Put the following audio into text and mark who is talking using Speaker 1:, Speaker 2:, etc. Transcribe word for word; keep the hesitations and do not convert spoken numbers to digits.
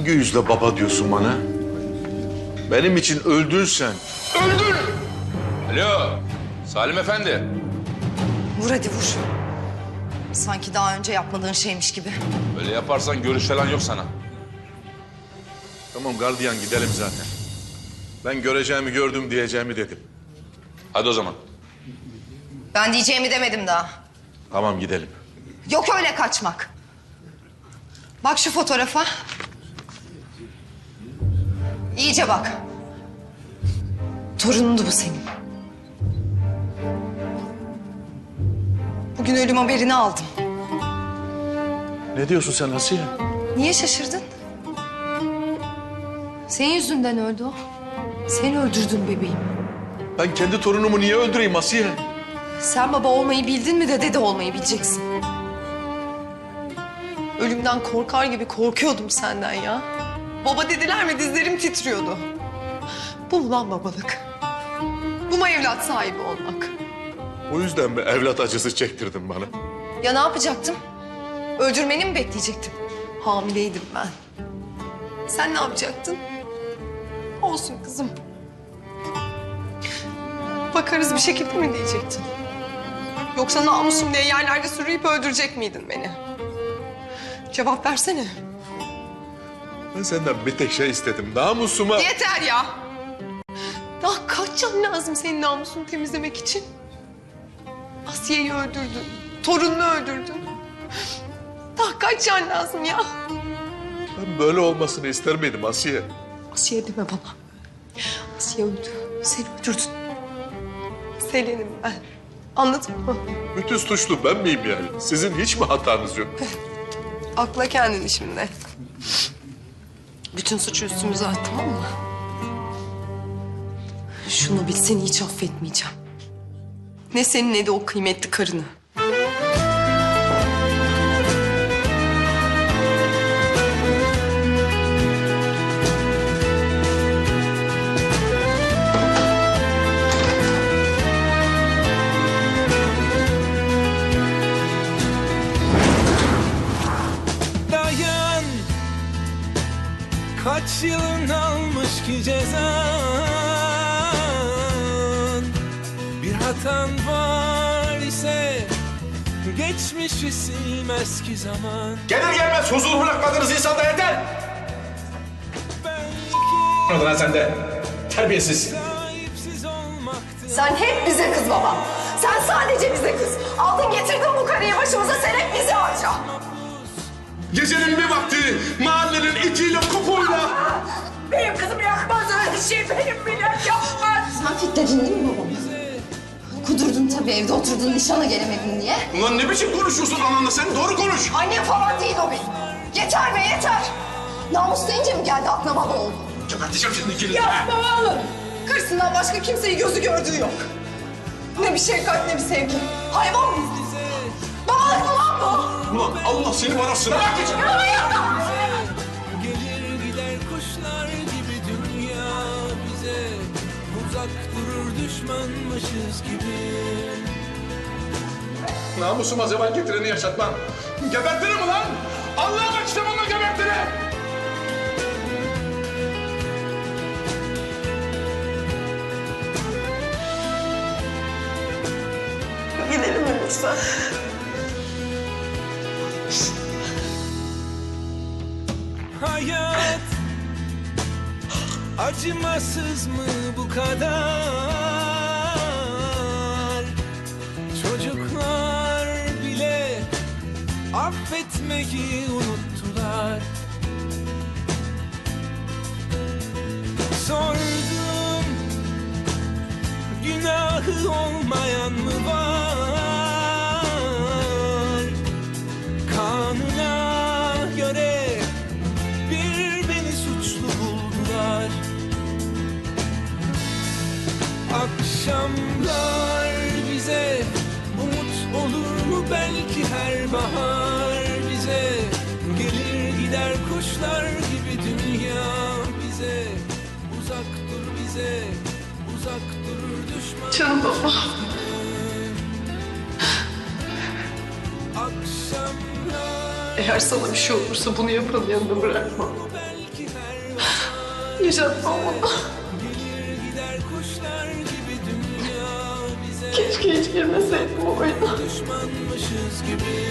Speaker 1: Hangi yüzle baba diyorsun bana? Benim için öldün sen. Öldün!
Speaker 2: Alo, Salim Efendi.
Speaker 3: Vur hadi vur. Sanki daha önce yapmadığın şeymiş gibi.
Speaker 2: Öyle yaparsan görüş falan yok sana.
Speaker 1: Tamam gardiyan, gidelim zaten. Ben göreceğimi gördüm, diyeceğimi dedim.
Speaker 2: Hadi o zaman.
Speaker 3: Ben diyeceğimi demedim daha.
Speaker 1: Tamam gidelim.
Speaker 3: Yok öyle kaçmak. Bak şu fotoğrafa. İyice bak. Torunundu bu senin. Bugün ölüm haberini aldım.
Speaker 1: Ne diyorsun sen Asiye?
Speaker 3: Niye şaşırdın? Senin yüzünden öldü o. Sen öldürdün bebeğim.
Speaker 1: Ben kendi torunumu niye öldüreyim Asiye?
Speaker 3: Sen baba olmayı bildin mi de dede olmayı bileceksin. Ölümden korkar gibi korkuyordum senden ya. Baba dediler mi dizlerim titriyordu. Bu mu lan babalık? Bu mu evlat sahibi olmak?
Speaker 1: O yüzden mi evlat acısı çektirdin bana?
Speaker 3: Ya ne yapacaktım? Öldürmeni mi bekleyecektim? Hamileydim ben. Sen ne yapacaktın? Olsun kızım. Bakarız bir şekilde mi diyecektin? Yoksa namusum diye yerlerde sürüyüp öldürecek miydin beni? Cevap versene.
Speaker 1: Ben senden bir tek şey istedim. Namusuma...
Speaker 3: Yeter ya! Daha kaç can lazım senin namusunu temizlemek için? Asiye'yi öldürdün, torununu öldürdün. Daha kaç can lazım ya?
Speaker 1: Ben böyle olmasını ister miydim Asiye?
Speaker 3: Asiye deme bana. Asiye öldü, seni öldürdün. Selen'im ben. Anladın mı?
Speaker 1: Bütün suçlu ben miyim yani? Sizin hiç mi hatanız yok?
Speaker 3: Akla kendini şimdi. Bütün suçu üstümüze at, tamam mı? Şunu bil, seni hiç affetmeyeceğim. Ne senin ne de o kıymetli karını.
Speaker 4: Dayan, kaç yılın almış ki cezan. Bir hatan var ise geçmişi silmez ki zaman.
Speaker 5: Gelir gelmez huzur bırakmadığınız insanda yeter.
Speaker 4: Belki
Speaker 5: Anladın ha sen de. Terbiyesiz.
Speaker 4: sahipsiz olmaktı.
Speaker 3: Sen hep bize kız baba. Sen sadece bize kız. Aldın getirdin bu karıyı başımıza, sen hep bizi harca.
Speaker 5: Gecenin bir vakti mahallenin itiyle kupuyla.
Speaker 6: Benim kızım yakmaz öyle şey, benim millet yapmaz.
Speaker 3: Sen fitledin değil mi babamı? Kudurdun tabii, evde oturdun nişana gelemedin diye.
Speaker 5: Ulan ne biçim konuşuyorsun ananla sen? Doğru konuş.
Speaker 3: Annem falan değil o benim. Yeter be yeter. Namus deyince mi geldi aklına baba oldu?
Speaker 5: Geberteceğim şimdi ikinizi.
Speaker 6: Yapma oğlum.
Speaker 3: Kırsından başka kimseyi gözü gördüğü yok. Ne bir şefkat ne bir sevgi. Hayvan mıyız biz? Babalık mı lan bu?
Speaker 5: Ulan Allah seni bana sıra bakacak.
Speaker 4: Gelir gider kuşlar gibi dünya bize. Uzak durur düşmanmışız gibi.
Speaker 5: Namusuma zeval getireni yaşatmam. Gebertirim ulan. Allah'a bak işte bununla gebertirim.
Speaker 3: Gidelim mi lütfen?
Speaker 4: Hayat acımasız mı bu kadar? Çocuklar bile affetmeyi unuttular. Sordum, günahı olmayan mı var? Kanuna göre bir beni suçlu buldular. Akşamlar bize umut olur mu belki her bahar bize. Gelir gider kuşlar gibi dünya bize. Uzak dur bize, uzak durur düşman.
Speaker 3: Canım baba.
Speaker 4: Akşamlar
Speaker 3: Eğer sana bir şey olursa bunu yapanın yanında bırakma.
Speaker 4: belki
Speaker 3: Yaşatmam onu.
Speaker 4: Gider kuşlar gibi dünya bize
Speaker 3: Keşke hiç girmeseydim o oyuna.
Speaker 4: düşmanmışız gibi